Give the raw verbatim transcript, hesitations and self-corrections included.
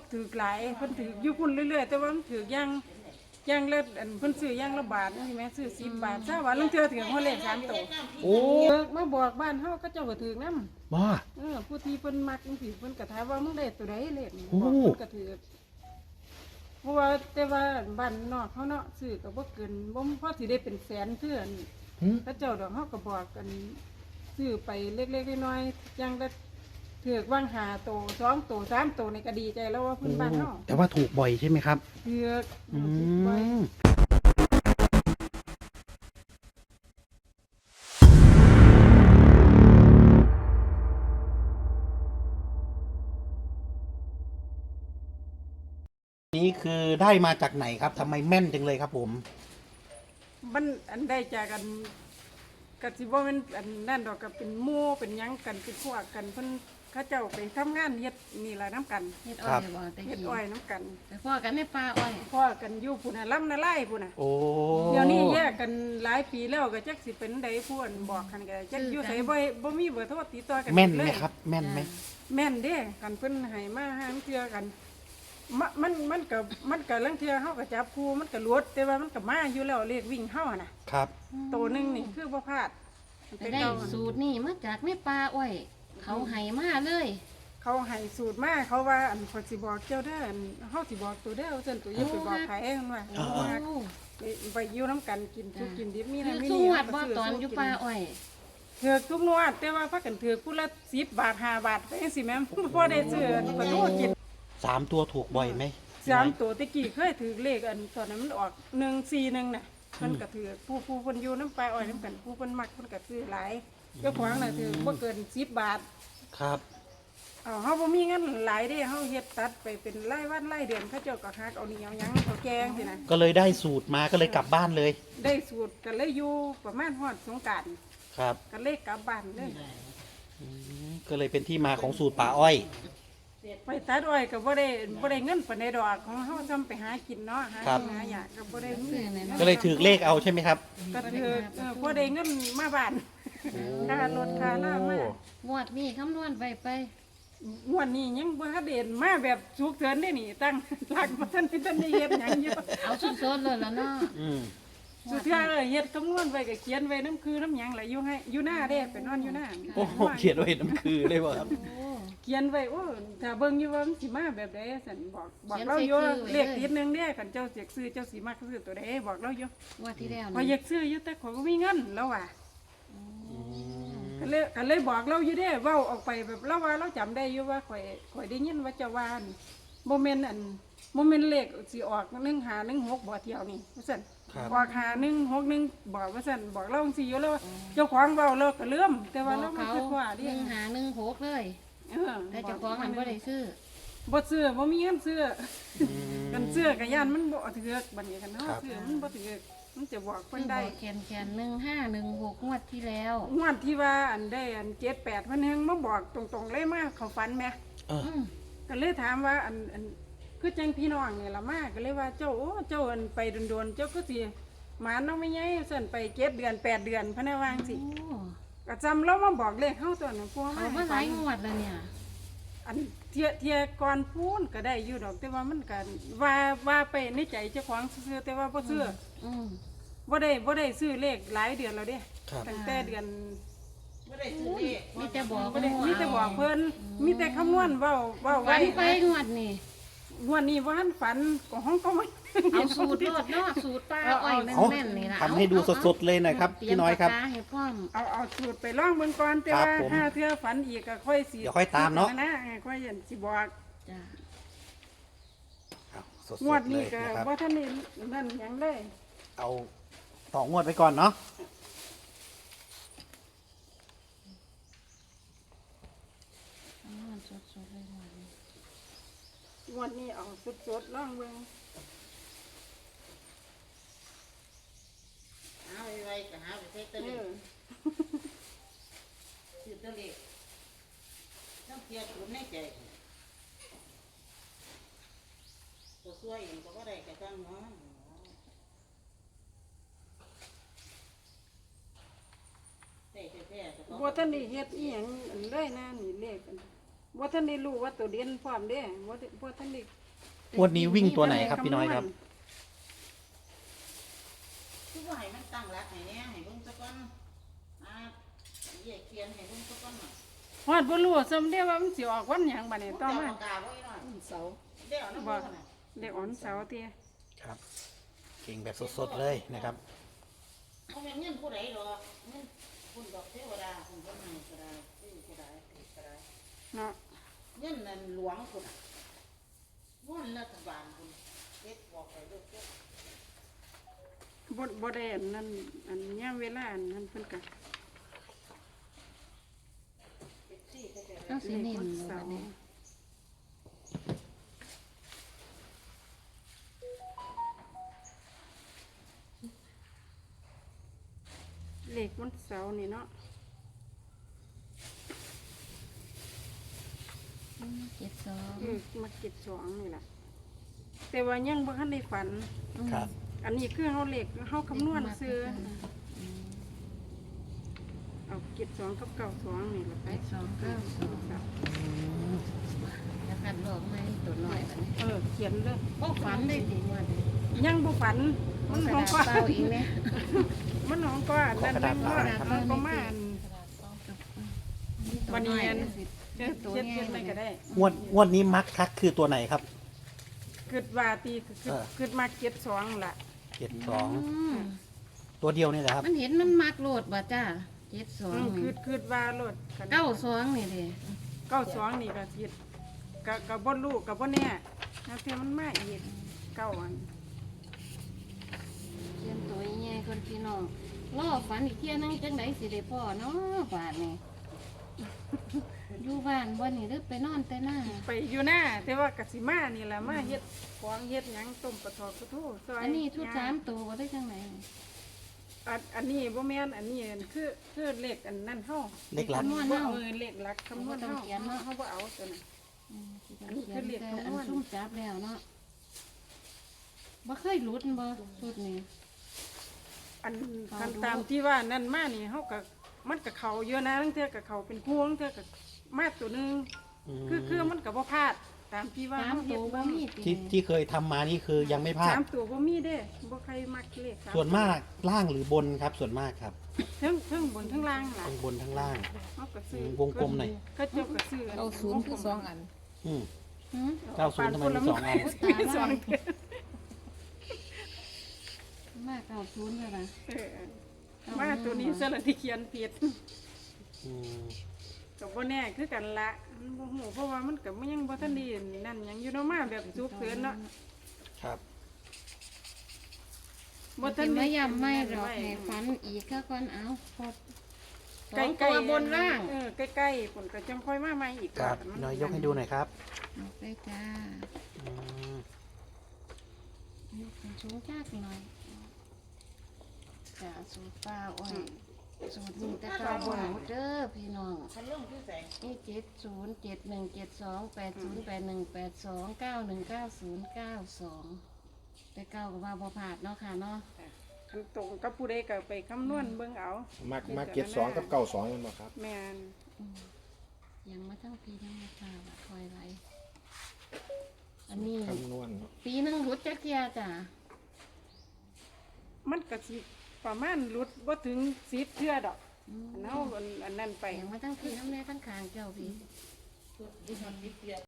ถือหลายเพิ่นถืออยู่พุ่นเรื่อยๆแต่ว่ามันถือย่างย่างละอันเพิ่นซื้อย่างละบาทนี่แม่ซื้อสิบบาทซะว่าลางเทื่อถือฮอดเลขสามตัวโอ้มาบอกบ้านเฮาก็เจ้าก็ถือนำบ้าเออผู้ที่เพิ่นมักจังซี่เพิ่นก็ถามว่ามึงได้ตัวใดเลขนี่โอ้บอกเพิ่นก็ถือเพราะว่าแต่ว่าบ้านนอกเขาเนาะซื้อก็บ่เกินบ่พอสิได้เป็นแสนเทื่อนี่หืมพระเจ้าดอกเฮาก็บอกกันซื้อไปเล็กๆน้อยๆอย่างละถือกว่างหาโตสองโตสามโตนี่ก็ดีใจแล้วว่าเพิ่นบ้านเฮาแต่ว่าถูกบ่อยใช่ไหมครับถือกอืถือกไว้มนี่คือได้มาจากไหนครับทำไมแม่นจังเลยครับผมมันอันได้จากกันก็สิบ่แม่นอันนั่นดอกก็เป็นหมู่เป็นหยังกันเป็นพวกกันเพิ่นเขาเจ้าไปทำงานเฮ็ดนี่ล่ะนํกันเฮ็ดอ้อยบ่แต่เฮ็ดกี้อ้อยนํกันแต่พ่อกันในป่าอ้อยพ่อกันอยู่พุ่นน่ะลำนาไล่พุ่นน่ะโอ้เดี๋ยวนี้แยกกันหลายปีแล้วก็จักสิเป็นใดผู้อันบอกกันก็จักอยู่ไสบ่บ่มีเบอร์โทรติดต่อกันแม่นไหเลมยครับ แม่นไหมแม่นเด้กันเพิ่นให้มาหางเทื่อกันมะมันมันก็มันก็ลังเทื่อเฮาก็จับคู่มันก็หลวดแต่ว่ามันก็มาอยู่แล้วเลขวิ่งเฮาน่ะครับตัวหนึงนี่คือบ่พลาดแต่ได้สูตรนี่มาจากในป่าอ้อย เขาให้มาเลยเขาให้สูตรมาเขาว่าอันขอยสิบอกเจ้าเด้ออันเฮาสิบอกตัวเด้อซั่นตัวอย่าไปบอกไผเพิ่นว่าอ๋อว่าไปไปอยู่นํกันกินทุกกินดิบมีคืนั่อนมีสู้นี่วัดบ่ตอนอยู่ป่าอ้อยเถือกทุกนวดแต่ว่าพากันเถือกผู้ละสิบบาทห้าบาทไปจังซี่แม่บ่ได้ซื้อปลาทูกินสามตัวถูกบ่อยไหมสามตัวตะกี้เคยถือเลขอันตอนนั้นมันออกหนึ่งสี่หนึ่งน่ะเพิ่นก็ถือผู้ผู้เพิ่นอยู่น้ำปลาอ้อยน้ำกันผู้เพิ่นมักเพิ่นก็ซื้อหลายเจ้าของน่ะถือบ่เกินสิบบาทครับเอาเฮาบ่มีเงินหลายเด้เฮาเฮ็ดตัดไปเป็นรายวันรายเดือนเขาเจ้าก็ฮักเอานี่เอาหยังเอาแกงสินะก็เลยได้สูตรมาก็เลยกลับบ้านเลยได้สูตรก็เลยอยู่ประมาณฮอดสงกรานต์ครับก็เลยกลับบ้านเลยอืมก็เลยเป็นที่มาของสูตรป่าอ้อยไปตัดอ้อยก็บ่ได้บ่ได้เงินปานใดดอกของเฮาทำไปหากินเนาะหาครับกินหาอยากก็บ่ได้มีก็เลยถือเลขเอาใช่ไหมครับก็ถือเออบ่ได้เงินมาบ้านค่ารถค่าล่ามางวดนี้คำนวณไปไปงวดนี้ยังบ่ทันได้เห็นมาแบบฉุกเฉินได้นี่ตั้งหลักบ่ทันได้ทันได้เฮ็ดหยังอยู่เอาสดๆเลยแล้วเนาะอืมสุดท้ายเออเฮ็ดคำนวณไว้ก็เขียนไว้น้ำคือน้ำหยังล่ะอยู่ให้อยู่หน้าเด้ไปนอนอยู่หน้าโอ้โหเขียนไว้น้ำคือเลยบ่ครับโอ้เขียนไว้โอ้ถ้าเบิ่งอยู่ว่ามันสิมาแบบใดสั่นบอกบอกเราอยู่เลขติดหนึงเด้คันเจ้าเสียกซื้อเจ้าสิมักซื้อตัวใดบอกเราอยู่งวดที่แล้วพออยากซื้ออยู่แต่ขอยบ่มีเงินแล้วว่ะก็เลยก็เลยบอกเราอยู่เด้เว้าออกไปแบบเราว่าเราจำได้อยู่ว่าข่อยข่อยได้ยินว่าเจ้าว่าอั่นบ่แม่นอันบ่แม่นเลขสิออกหนึ่งห้าหนึ่งหกบ่เที่ยวนี่ว่าซั่นครับออกห้าหนึ่งหกหนึ่งบอกว่าซั่นบอกเราจังซี่อยู่แล้วว่าเจ้าของเว้าเราก็ลืมแต่ว่าเราบอกไม่เขาคิดว่าหดินึ่งหาหนึ่งหกเลยเออแต่เจ้าของมันบ่ได้ซื้อบ่ซื้อบ่มีเงินซื้ออืมกันซื้อก็ย่านมันบ่ถือกบัดนี้กันเฮาครับซื้อมันบ่ถือกมันจะบอกเพิ่นซื้อได้บอกแขนแขนหนึ่งห้าหนึ่งหกงวดที่แล้วงวดที่ว่าอันได้อันเจ็ดแปดเพิ่นแฮงมาบอกตรงๆเลยมาเขาฝันแหมเอออืมก็เลยถามว่าอันอันคือจังพี่น้องนี่ล่ะมาก็เลยว่าเจ้าโอ้เจ้าอันไปโดนๆเจ้าคือสิหมาน้องไม่ใหญ่ซั่นไปเจ็ดเดือนแปดเดือนพะนะว่าจังซี่โอ้ก็จำเรามาบอกเลขเฮาตัวนั้นกลัวเขามามาหลายงวดแล้วเนี่ยอันเทียเทียก่อนพูนก็ได้อยู่ดอกแต่ว่ามันก็ว่าว่าไปในใจเจ้าของซื้อๆแต่ว่าบ่ซื้ออืมบ่ได้บ่ได้ซื้อเลขหลายเดือนแล้วเด้ครับตั้งแต่เดือนมีแต่บอกบ่ได้มีแต่บอกเพิ่นมีแต่คำนวณเว้าเว้าฝัไว้นไปงวดนี่งวดนี้บ่ทันฝันก็ห้องก็ไม่เอาสูตรโลดเนาะสูตรป้าอ้อยแเอาม่นๆนี่ล่ะทำให้ดูสดๆเลยหน่อยครับเตรียพี่มน้อยครับปากกาให้พร้อมเอาเอาสูตรไปลองเบิ่งก่อนแต่ครับว่าผมถ้าเทื่อฝันอีกก็ค่อยสิเดี๋ยวค่อยตามเนาะนะค่อยสิบอกจ้ะเอาสดงวดๆเลนี้ยก็นะครับบ่ทันได้นั่นหยังเลยเอาต่องวดไปก่อนเนาะเอามันสดๆเลยงวดนี้งวดนี้เอาสดๆลองเบิ่งหาไว้ๆก็หาไปใช้ตัวเอเลขอซื้อตัวเลขต้องเพียรถุนในใจตัวช่วยเองก็บ่ได้ก็จังเนาะแต่แท้ๆก็บ่ทันได้เฮ็ดอีหยังอันเลยนะนี่เลขอันว่าท่านได้รู้ว่าตัวเด่นพร้อมเด้ว่าว่าท่านได้งวดนี้วิ่งตัวไหนครับพี่น้อยครับคือว่าให้มันตั้งหลักให้แน่ให้เบิ่งซะก่อนอ่าแยกเขียนให้เบิ่งซะก่อนน่ะฮอดบ่รู้ซ้ำเด้ว่ามันสิออกวันหยังบัดนี้ต่อมาเจ้ปากกาไว้หน่อยเสาร์เดี๋ยวนะบ่เบิ่งน่ะเด็กอ่อนเสาร์เตี้ยครับ เก่งแบบสดๆเลยนะครับบ่แม่นเงินผู้ใดดอกเงินคุณดอกเทวดาคุณบ่ให้ก็ได้ซื้อก็ได้ติดก็ได้เนาะเงินนั่นหลวงคุณน่ะเงินรัฐบาลคุณเฮ็ดบอกไปเด้อเด้อบ่บ่ได้อันนั้นอันยามเวลาอันนั้นเพิ่นก็เฮ็ดซี่ก็ได้เอาสิเน้นวันเลยเสาบัดร์นี้เลขวันเสาร์นี่เนาะอืมเจ็ดสองเออมาเก็บสองนี่ล่ะแต่ว่ายังบ่ทันได้ฝันครับอันนี้คือเฮาเลขเฮาคำนวณซื้ออืมเอาเก็บสองกับเก้าสองนี่ล่ะไปเจ็ดสองเก้าสองครับแล้วกันบอกไหมตัวน้อยบัดนี้เออเขียนเลยบ่ฝันได้ดีว่าเด้ยังบ่ฝันมัมัน นขขออง งก็ก็เป้าอีกแม่มันของก็อันนั้นมันว่ามันก็มาอัน วันนี้อัน เฮ็ดตัวเฮ็ดใหญ่เฮ็ดไปก็ได้งวดงวดนี้มักคักคือตัวไหนครับคิดว่าตีคือเออคิดมาเก็บสองล่ะเจ็ดสองมตัวเดียวนี่แหละครับมันเห็นมันมักโลดบ่จ้าเจ็ดสองอืมนี่คิดคิดว่าโลดเก้าสองนี่เด้เก้าสองนี่ก็คิดก็ก็บ่รู้ก็บ่แน่แล้วเทียมันมาอีกเก้าอันเขียนตัวใหญ่คนพี่น้องรอฝันอีกเที่ยนึงจังไดสิได้พ่อเนาะบาดนี้ อยู่บ้านวันนี้หรือไปนอนแต่หน้าไปอยู่หน้าแต่ว่ากสิมานี่แหละมาเฮ็ดของเฮ็ดหยังต้มปลาทอดปลาทูซอยอันนี้ชุดย่งสามตัวบ่ได้จังไหนอันอันนี้บ่แม่นอันนี้คือคือเลขอันนั้นเฮาเลขหลักคำนวณบ่เนาะเออเลขหลักคำนวณบ่ต้องเฮาเขียนเนาะเฮาบ่เอาตัวนั้นอืมสิอันนี้คือเลขแต่คำนวณอันซุ่มจับแล้วเนาะบ่เคยหลุดบ่ชุดนี้อันเอาคันดูตามที่ว่านั่นมานี่เฮาก็มันก็เข้าเยอะนะตั้งแต่ก็เข้าเป็นพวงเทื่อก็มาตัวหนึงมคือคือมันก็บ่พลาดตามที่ว่าสามเฮาเฮ็ตัดวบ่มีติที่ที่เคยทำมานี่คือยังไม่พลาดสามตัวบ่มีเด้บ่ใครมักเลขสส่วนมากล่างหรือบนครับ ส่วนมากครับทั้งทั้งบนทั้งล่างล่ะทั้งบนทั้งล่างเฮาก็ซื้อวงกลมหน่อยก็เจ้าก็ซื้อเอาศูนย์คือสองอันอืมหืมเก้าศูนย์ทำไมมีสองอันมีสองเทื่อมากเก้าศูนย์เลยล่ะเออมาตัวนี้ซะละที่เขียนผิดอืมก็บ่แน่คือกันละมันบ่ฮู้เพราะว่ามันก็มันยังบ่ทันไดีนั่นหยังอยู่เนาะมาแบบสุกเสริญเนาะครับบ่บ่ทัทันนได้ไม่ย้ำไม่หรอกให้ฝันอีกก็ก่อนเอาพอสใกองล้ตัวๆบนล่างเออใกล้ๆฝนก็จังค่อยมาใหม่อีกครับมัพี่น้อยยกให้ดูหน่อยครับออกได้จ้าอืมยกเป็นสูงจากหน่อยจ้าสูตรป้าอ้อยสูตรนี้แต่เก้าบนเด้อพี่น้องคันลงคือแสงนี่เจ็ดศูนย์เจ็ดหนึ่งเจ็ดสองแปดศูนย์แปดหนึ่งแปดสองเก้าหนึ่งเก้าศูนย์เก้าสองแต่เก้ากับว่าบ่ผาดเนาะค่ะเนาะคันตรงกับผู้ใดก็ไปคำนวณเบิ่งเอามักมักเก็ตสองกับเก้าสองนั่นบ่ครับแม่นอืมยังมาทั้งปียังมาทราบว่าคอยไรอันนี้คำนวณเนาะปีหนึงรุดจักเทียจ้ะมันก็สิประมาณหลุดบ่ถึงสิบเทื่อดอกอืมอันเฮาอันอันนั้นไปยังมาทั้งปีทั้งแม่ทั้งคางเจ้าพี่ชุดดิฉันดิเปีย